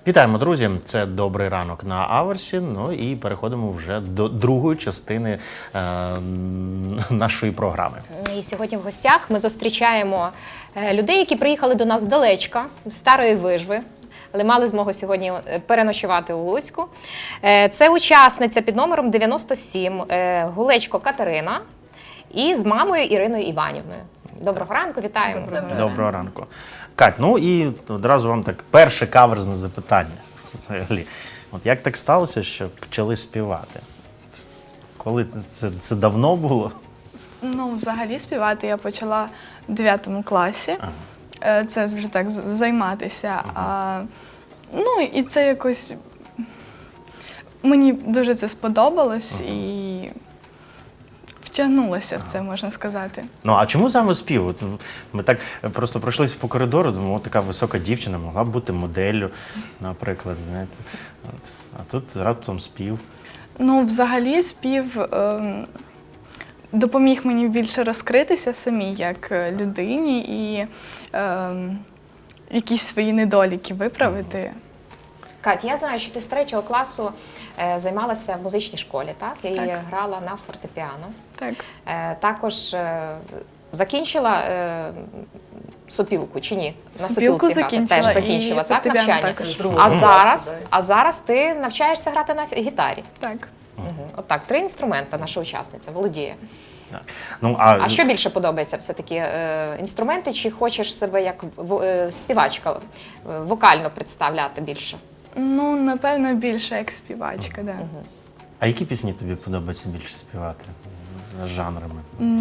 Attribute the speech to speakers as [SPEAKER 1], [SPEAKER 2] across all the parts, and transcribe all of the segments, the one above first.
[SPEAKER 1] Вітаємо, друзі! Це «Добрий ранок» на Аверсі. Ну і переходимо вже до другої частини нашої програми.
[SPEAKER 2] І сьогодні в гостях ми зустрічаємо людей, які приїхали до нас здалечка, з Старої Вижви, але мали змогу сьогодні переночувати у Луцьку. Це учасниця під номером 97 Гулечко Катерина і з мамою Іриною Іванівною. Доброго ранку, вітаємо.
[SPEAKER 1] Доброго ранку. Кать, ну і одразу вам так перше каверзне запитання. От як так сталося, що почали співати? Коли це давно було?
[SPEAKER 3] Ну, взагалі співати я почала в 9 класі. Це вже так займатися. Ну, і це якось мені дуже це сподобалось і втягнулася в це, можна сказати.
[SPEAKER 1] Ну, а чому саме спів? От ми так просто пройшлися по коридору, думаю, така висока дівчина могла б бути моделлю, наприклад. Знаєте. А тут раптом спів.
[SPEAKER 3] Ну, взагалі спів допоміг мені більше розкритися самій як людині і якісь свої недоліки виправити.
[SPEAKER 2] Кать, я знаю, що ти з 3 класу займалася в музичній школі, так? І грала на фортепіано.
[SPEAKER 3] Так.
[SPEAKER 2] Також закінчила сопілку чи ні? На
[SPEAKER 3] Сопілку
[SPEAKER 2] сопілці грати.
[SPEAKER 3] закінчила
[SPEAKER 2] Теж закінчила,
[SPEAKER 3] і
[SPEAKER 2] так,
[SPEAKER 3] фортепіано
[SPEAKER 2] навчання?
[SPEAKER 3] також.
[SPEAKER 2] А зараз ти навчаєшся грати на гітарі.
[SPEAKER 3] Так.
[SPEAKER 2] Отак, 3 інструмента наша учасниця володіє.
[SPEAKER 1] Ну,
[SPEAKER 2] А що більше подобається все-таки? Інструменти чи хочеш себе як співачка вокально представляти більше?
[SPEAKER 3] Ну, напевно, більше як співачка, да.
[SPEAKER 1] А які пісні тобі подобається більше співати? За жанрами?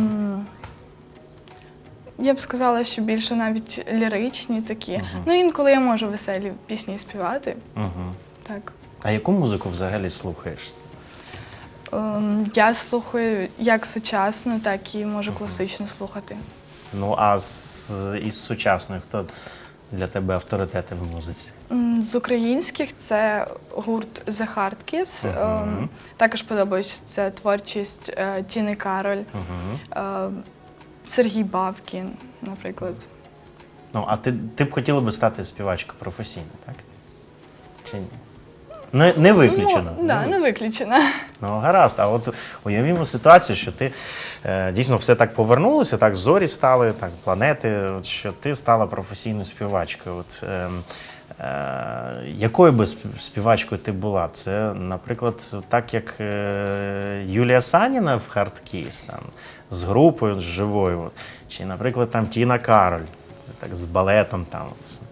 [SPEAKER 3] Я б сказала, що більше навіть ліричні такі. Ну, інколи я можу веселі пісні співати. Так.
[SPEAKER 1] А яку музику взагалі слухаєш?
[SPEAKER 3] Я слухаю як сучасну, так і можу класичну слухати.
[SPEAKER 1] Ну, а із сучасної хто для тебе авторитети в музиці?
[SPEAKER 3] З українських це гурт The Hard Kiss. Також подобається творчість Тіни Кароль, Сергій Бабкін, наприклад.
[SPEAKER 1] Ну, а ти б хотіла би стати співачкою професійно, так? Чи ні? Не виключено.
[SPEAKER 3] Ну, да, не виключено.
[SPEAKER 1] Ну, гаразд. А от уявімо ситуацію, що ти дійсно все так повернулося, так зорі стали, так планети, от, що ти стала професійною співачкою. От, якою би співачкою ти була? Це, наприклад, так як Юлія Саніна в Hard Kiss, там, з групою, з живою, чи, наприклад, там Тіна Кароль, це, так, з балетом. Там,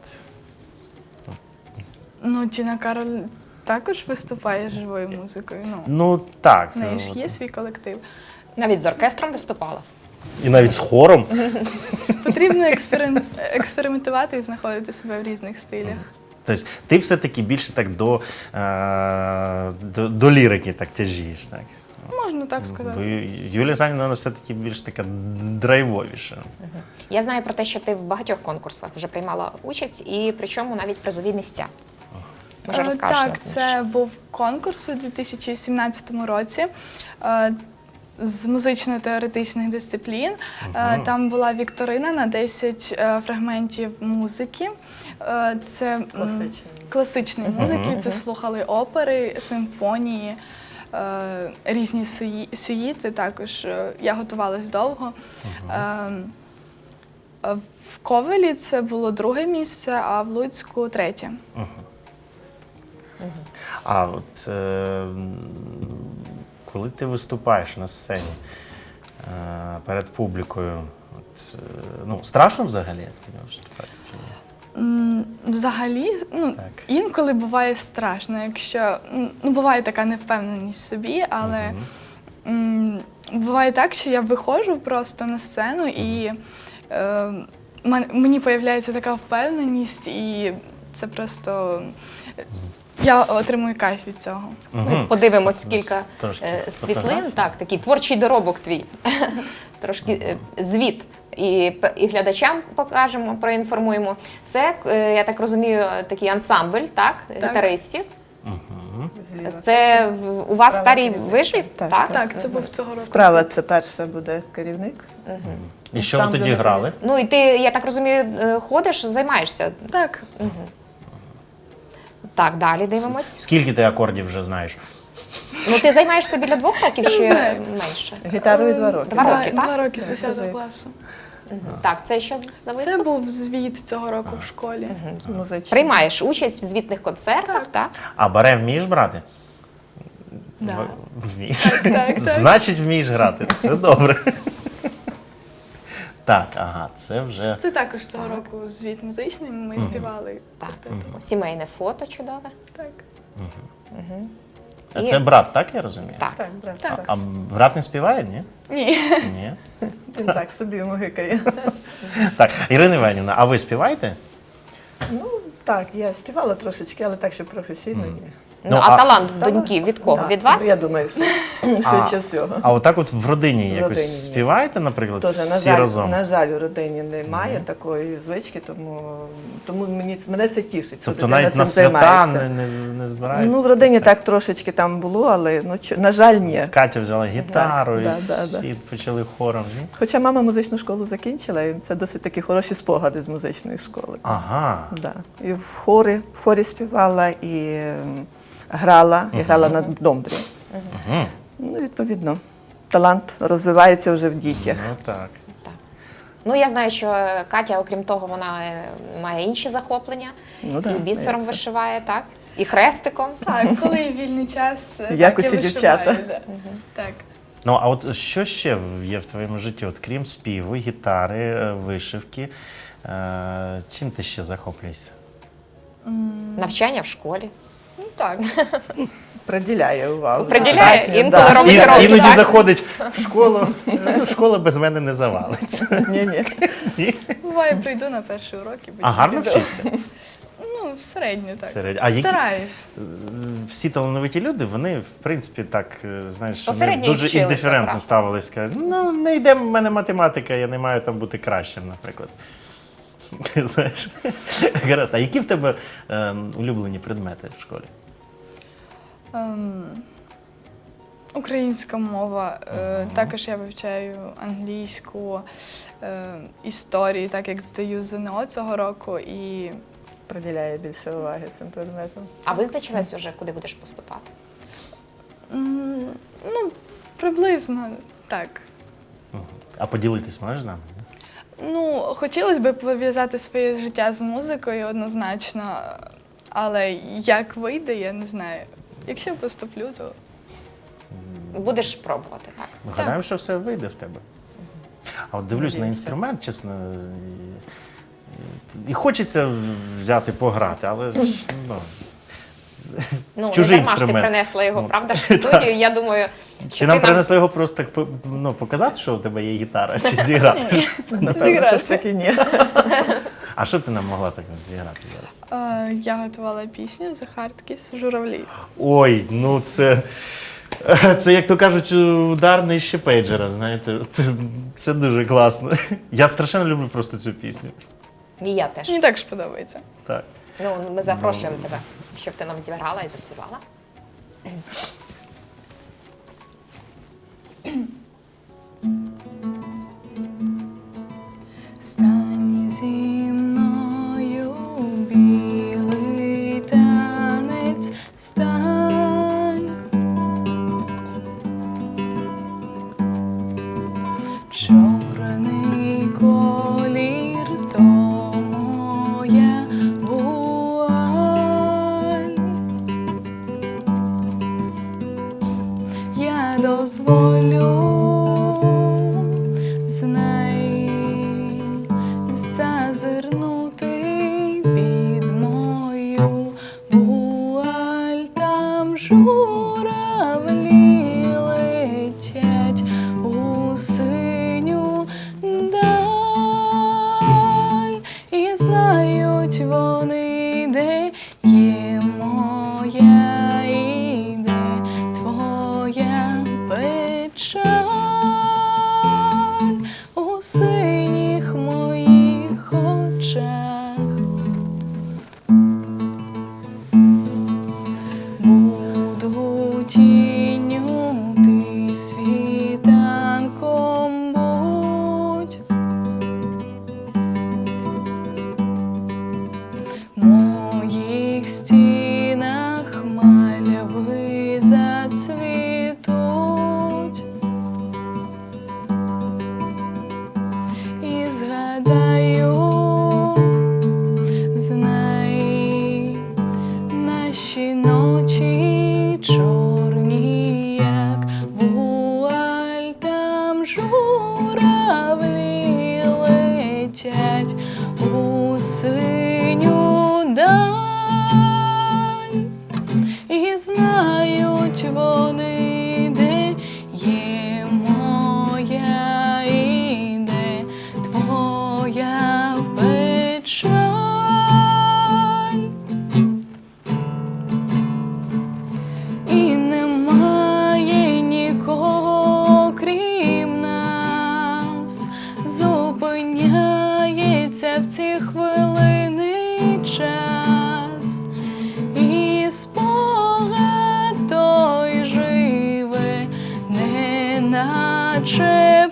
[SPEAKER 3] Ну, Тіна Кароль також виступає живою музикою.
[SPEAKER 1] Ну, так.
[SPEAKER 3] В неї ж є свій колектив.
[SPEAKER 2] Навіть з оркестром виступала?
[SPEAKER 1] І навіть з хором.
[SPEAKER 3] Потрібно експериментувати і знаходити себе в різних стилях.
[SPEAKER 1] Тобто ти все-таки більше так до лірики так тяжієш, так?
[SPEAKER 3] Можна так сказати.
[SPEAKER 1] Юлія Саніна, вона все-таки більш така драйвовіша.
[SPEAKER 2] Я знаю про те, що ти в багатьох конкурсах вже приймала участь, і причому навіть призові місця. Може, розкажеш нам
[SPEAKER 3] Так,
[SPEAKER 2] більше?
[SPEAKER 3] це був конкурс у 2017 році з музично-теоретичних дисциплін. Там була вікторина на 10 фрагментів музики. Це класичної музики, це слухали опери, симфонії, різні сюїти також. Я готувалась довго. В Ковелі це було 2-е місце, а в Луцьку 3-е.
[SPEAKER 1] А от коли ти виступаєш на сцені перед публікою, ну, страшно взагалі виступати?
[SPEAKER 3] Взагалі, інколи буває страшно, якщо, буває така невпевненість в собі, але буває так, що я виходжу просто на сцену і мені з'являється така впевненість, і це просто, я отримую кайф від цього.
[SPEAKER 2] Ми подивимось кілька світлин, так, такий творчий доробок твій, трошки звіт. І глядачам покажемо, проінформуємо. Це, я так розумію, такий ансамбль, так, гітаристів. Це у вас в Старій Вижві, так?
[SPEAKER 3] Так, це був цього року.
[SPEAKER 4] Справа це перша буде керівник.
[SPEAKER 1] І що ви тоді грали?
[SPEAKER 2] Ну і ти, я так розумію, ходиш, займаєшся?
[SPEAKER 3] Так.
[SPEAKER 2] Так, далі дивимось.
[SPEAKER 1] Скільки ти акордів вже знаєш?
[SPEAKER 2] Ну, ти займаєшся біля 2 років чи
[SPEAKER 3] знаю.
[SPEAKER 2] менше?
[SPEAKER 4] Гітарою 2 роки.
[SPEAKER 2] 2 роки, так?
[SPEAKER 3] 2 роки з
[SPEAKER 4] Так,
[SPEAKER 3] 10
[SPEAKER 4] так.
[SPEAKER 3] класу.
[SPEAKER 2] Так, це що за
[SPEAKER 3] Це
[SPEAKER 2] виступ?
[SPEAKER 3] був звіт цього року в школі.
[SPEAKER 4] Музичний.
[SPEAKER 2] Приймаєш участь в звітних концертах, так?
[SPEAKER 1] А баре вмієш брати?
[SPEAKER 3] Да.
[SPEAKER 1] Вмієш.
[SPEAKER 3] так.
[SPEAKER 1] Значить, вмієш грати. Це добре. Так, ага, це вже.
[SPEAKER 3] Це також цього року звіт музичний, ми співали.
[SPEAKER 2] Так. Сімейне фото чудове.
[SPEAKER 3] Так.
[SPEAKER 1] А це брат, так я розумію?
[SPEAKER 2] Так.
[SPEAKER 4] Так, брат.
[SPEAKER 3] Так.
[SPEAKER 1] А брат не співає, ні?
[SPEAKER 3] Ні.
[SPEAKER 1] Ні.
[SPEAKER 4] Він так собі мугикає.
[SPEAKER 1] Так, Ірина Іванівна, а ви співаєте?
[SPEAKER 4] Ну, так, я співала трошечки, але так, щоб професійно ні.
[SPEAKER 2] Ну, а талант в доньки від кого?
[SPEAKER 4] Так,
[SPEAKER 2] Від вас?
[SPEAKER 4] Я думаю, що швидше всього.
[SPEAKER 1] А отак от в родині
[SPEAKER 4] В
[SPEAKER 1] якось
[SPEAKER 4] родині ні.
[SPEAKER 1] співаєте, наприклад,
[SPEAKER 4] Тоже,
[SPEAKER 1] всі разом?
[SPEAKER 4] на жаль, у родині немає такої звички, тому мене це тішить. що
[SPEAKER 1] Тобто
[SPEAKER 4] дитина
[SPEAKER 1] навіть
[SPEAKER 4] цим
[SPEAKER 1] на свята
[SPEAKER 4] займається.
[SPEAKER 1] не збирається?
[SPEAKER 4] Ну, в родині так трошечки там було, але, на жаль, ні.
[SPEAKER 1] Катя взяла гітару,
[SPEAKER 4] Так,
[SPEAKER 1] і
[SPEAKER 4] да,
[SPEAKER 1] всі почали хором.
[SPEAKER 4] Хоча мама музичну школу закінчила, і це досить такі хороші спогади з музичної школи.
[SPEAKER 1] Ага.
[SPEAKER 4] Да. І в хорі співала, і грала на домбрі. Ну, відповідно, талант розвивається вже в дітях.
[SPEAKER 1] Ну так.
[SPEAKER 2] Ну, я знаю, що Катя, окрім того, вона має інші захоплення.
[SPEAKER 4] Ну, да,
[SPEAKER 2] І бісером
[SPEAKER 4] як це.
[SPEAKER 2] вишиває, так? І хрестиком.
[SPEAKER 3] Так, коли є вільний час, так,
[SPEAKER 4] Як
[SPEAKER 3] я
[SPEAKER 4] усі
[SPEAKER 3] вишиваю,
[SPEAKER 4] дівчата.
[SPEAKER 3] да. Так.
[SPEAKER 1] Ну, а от що ще є в твоєму житті, от крім співу, гітари, вишивки, чим ти ще захоплюєшся?
[SPEAKER 2] Навчання в школі.
[SPEAKER 3] Ну так.
[SPEAKER 4] Приділяє увагу.
[SPEAKER 2] Приділяє,
[SPEAKER 4] Достатньо,
[SPEAKER 2] інколи
[SPEAKER 4] да.
[SPEAKER 2] робить розум,
[SPEAKER 1] Іноді
[SPEAKER 2] так?
[SPEAKER 1] заходить в школу, ну, школа без мене не завалиться.
[SPEAKER 4] Ні.
[SPEAKER 3] Буває, прийду на перший урок і
[SPEAKER 1] А гарно
[SPEAKER 3] піду.
[SPEAKER 1] вчишся?
[SPEAKER 3] Ну, середньо так.
[SPEAKER 1] Середньо. А які-
[SPEAKER 3] Стараюсь.
[SPEAKER 1] Всі талановиті люди, вони, в принципі, так, знаєш, вони
[SPEAKER 2] Посередньо
[SPEAKER 1] дуже
[SPEAKER 2] вчилися,
[SPEAKER 1] індиферентно
[SPEAKER 2] правда.
[SPEAKER 1] ставились. Кажуть, ну, не йде в мене математика, я не маю там бути кращим, наприклад. Знаєш? Гаразд. А які в тебе улюблені предмети в школі?
[SPEAKER 3] Українська мова. Також я вивчаю англійську, історію, так як здаю ЗНО цього року. І
[SPEAKER 4] Приділяє більше уваги цим предметам.
[SPEAKER 2] А визначилась уже, куди будеш поступати?
[SPEAKER 3] ну, приблизно так.
[SPEAKER 1] А поділитись можеш з нами?
[SPEAKER 3] Ну, хотілося б пов'язати своє життя з музикою однозначно, але як вийде, я не знаю. Якщо поступлю, то
[SPEAKER 2] Будеш пробувати, так?
[SPEAKER 1] Ми гадаємо, що все вийде в тебе. А от дивлюсь на інструмент, чесно, і хочеться взяти пограти, але ж, ну,
[SPEAKER 2] Ну,
[SPEAKER 1] чужий
[SPEAKER 2] не дарма ж ти
[SPEAKER 1] інструмент.
[SPEAKER 2] принесла його,
[SPEAKER 1] Ну,
[SPEAKER 2] правда ж, в студію. Я думаю, що
[SPEAKER 1] Чи нам принесли його просто так, ну, показати, що у тебе є гітара, чи зіграти?
[SPEAKER 4] Напевно, що ж таки ні.
[SPEAKER 1] А що б ти нам могла так зіграти зараз?
[SPEAKER 3] я готувала пісню «The Hard Kiss» «Журавлі».
[SPEAKER 1] Ой, ну це, як то кажуть, удар нижче пейджера, знаєте. Це дуже класно. Я страшенно люблю просто цю пісню.
[SPEAKER 2] І я теж.
[SPEAKER 3] Мені також подобається.
[SPEAKER 1] Так.
[SPEAKER 2] Ну, ми запрошуємо тебе, щоб ти нам зіграла і заспівала.
[SPEAKER 3] Стань зі мною, білий танець, стань. Чорний колір то моя вуаль. Я дозволю, знай, зазирнути під мою вуаль. Там журавлі летять у синю даль, і знають вони, де є моя і де твоя печаль. У синіх моїх очах ці хвилини час, і спогад той живе, неначе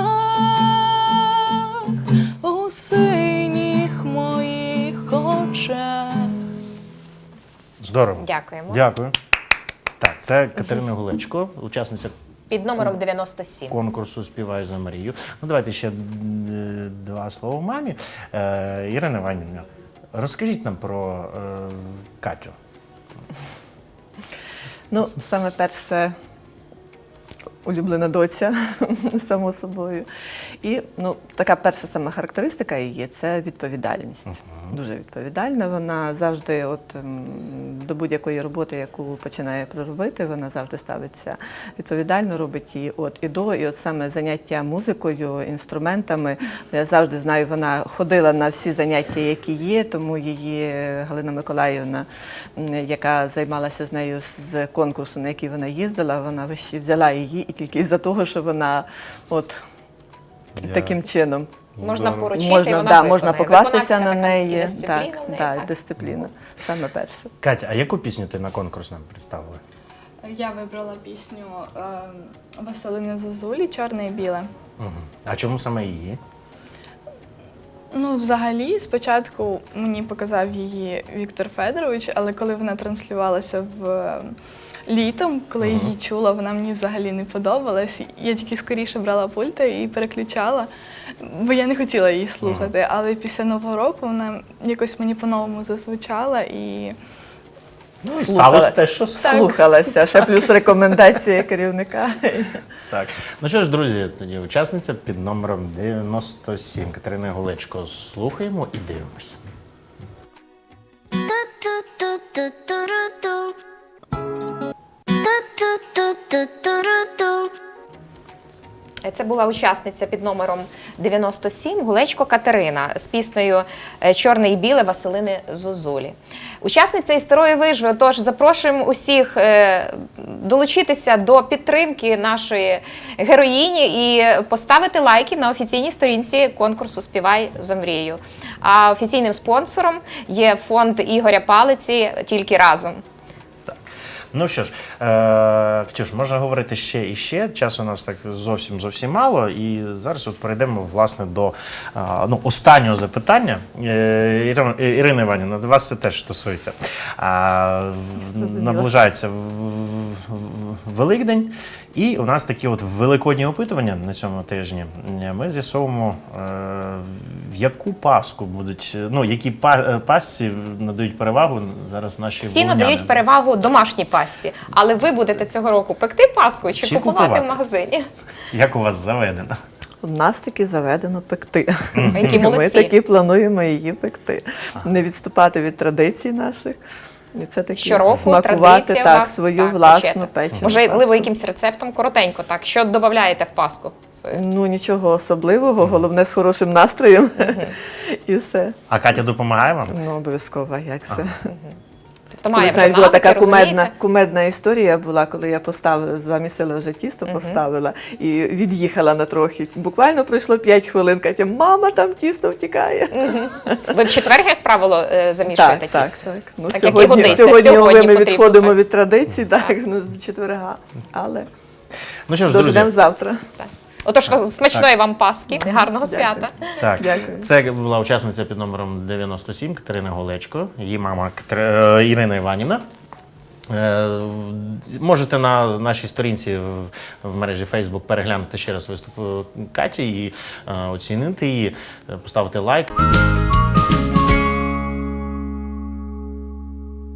[SPEAKER 3] птах у синіх моїх очах.
[SPEAKER 1] Здорово.
[SPEAKER 2] Дякуємо.
[SPEAKER 1] Дякую. Так, це Катерина Гулечко, учасниця
[SPEAKER 2] Під номером 97.
[SPEAKER 1] конкурсу «Співай за Марію». Ну, давайте ще два слова мамі. Ірина Іванівна, розкажіть нам про Катю.
[SPEAKER 4] Ну, саме перше, улюблена доця, само собою. І така перша сама характеристика її – це відповідальність. Дуже відповідальна. Вона завжди до будь-якої роботи, яку починає проробити, вона завжди ставиться відповідально, робить її от і до. І от саме заняття музикою, інструментами. Я завжди знаю, вона ходила на всі заняття, які є, тому її Галина Миколаївна, яка займалася з нею з конкурсу, на який вона їздила, вона взяла її і тільки із-за того, що вона таким чином.
[SPEAKER 2] Можна поручити, і
[SPEAKER 4] Можна,
[SPEAKER 2] вона
[SPEAKER 4] да,
[SPEAKER 2] виконає.
[SPEAKER 4] можна покластися
[SPEAKER 2] Виконавська
[SPEAKER 4] на
[SPEAKER 2] така
[SPEAKER 4] неї.
[SPEAKER 2] і дисципліна в неї,
[SPEAKER 4] Так,
[SPEAKER 2] так.
[SPEAKER 4] дисципліна. Саме перше.
[SPEAKER 1] Катя, а яку пісню ти на конкурс нам представила?
[SPEAKER 3] Я вибрала пісню Василини Зозулі «Чорне і біле».
[SPEAKER 1] А чому саме її?
[SPEAKER 3] Ну, взагалі, спочатку мені показав її Віктор Федорович, але коли вона транслювалася літом, коли я її чула, вона мені взагалі не подобалась. Я тільки скоріше брала пульта і переключала, бо я не хотіла її слухати. Але після Нового року вона якось мені по-новому зазвучала і
[SPEAKER 1] Ну і сталося те, що сталося.
[SPEAKER 4] Слухалася, ще плюс рекомендації керівника.
[SPEAKER 1] Так. Ну що ж, друзі, тоді учасниця під номером 97 Катерина Гулечко. Слухаємо і дивимось.
[SPEAKER 2] Це була учасниця під номером 97 Гулечко Катерина з піснею «Чорне і біле» Василини Зозулі. Учасниця із Старої Вижви, тож запрошуємо усіх долучитися до підтримки нашої героїні і поставити лайки на офіційній сторінці конкурсу «Співай за Мрію». А офіційним спонсором є фонд Ігоря Палиці «Тільки разом».
[SPEAKER 1] Ну що ж, Катюш, можна говорити ще і ще. Часу у нас так зовсім мало. І зараз от перейдемо, власне, до останнього запитання. Ірина Іванівна, вас це теж стосується. Наближається Великдень. І у нас такі от великодні опитування на цьому тижні. Ми з'ясовуємо, в яку паску будуть, які пасці надають перевагу зараз наші
[SPEAKER 2] Всі
[SPEAKER 1] волиняни.
[SPEAKER 2] надають перевагу домашній пасті, але ви будете цього року пекти паску чи купувати в магазині?
[SPEAKER 1] Як у вас заведено?
[SPEAKER 4] У нас таки заведено пекти.
[SPEAKER 2] Які
[SPEAKER 4] Ми
[SPEAKER 2] молодці.
[SPEAKER 4] таки плануємо її пекти. Не відступати від традицій наших. І це таки
[SPEAKER 2] Щороку
[SPEAKER 4] смакувати
[SPEAKER 2] традиція у вас,
[SPEAKER 4] свою
[SPEAKER 2] так,
[SPEAKER 4] власну
[SPEAKER 2] печете.
[SPEAKER 4] печену
[SPEAKER 2] Можливо,
[SPEAKER 4] паску.
[SPEAKER 2] якимсь рецептом коротенько, так. Що додаєте в паску свою?
[SPEAKER 4] Ну, нічого особливого, головне з хорошим настроєм. І все.
[SPEAKER 1] А Катя допомагає вам?
[SPEAKER 4] Ну, обов'язково, як же.
[SPEAKER 2] Тобто має
[SPEAKER 4] Колись
[SPEAKER 2] вже
[SPEAKER 4] навіть була
[SPEAKER 2] навики,
[SPEAKER 4] така
[SPEAKER 2] розуміється.
[SPEAKER 4] кумедна історія була, коли я замісила вже тісто, поставила і від'їхала на трохи. Буквально пройшло 5 хвилин, Катя, мама, там тісто втікає.
[SPEAKER 2] Ви в четвер, як правило, замішуєте тісто?
[SPEAKER 4] Так. Ну,
[SPEAKER 2] Так, як і годиться.
[SPEAKER 4] сьогодні
[SPEAKER 2] Сьогодні
[SPEAKER 4] ми
[SPEAKER 2] потрібно,
[SPEAKER 4] відходимо
[SPEAKER 2] так.
[SPEAKER 4] від традицій, так, з четверга. Але
[SPEAKER 1] Ну що ж,
[SPEAKER 4] дождемо
[SPEAKER 1] друзі,
[SPEAKER 4] завтра.
[SPEAKER 2] Так. Отож, смачної вам паски, гарного свята.
[SPEAKER 1] так,
[SPEAKER 4] Дякую.
[SPEAKER 1] це була учасниця під номером 97 Катерина Гулечко, її мама Ірина Іванівна. Можете на нашій сторінці в мережі Facebook переглянути ще раз виступ Каті і оцінити її, поставити лайк.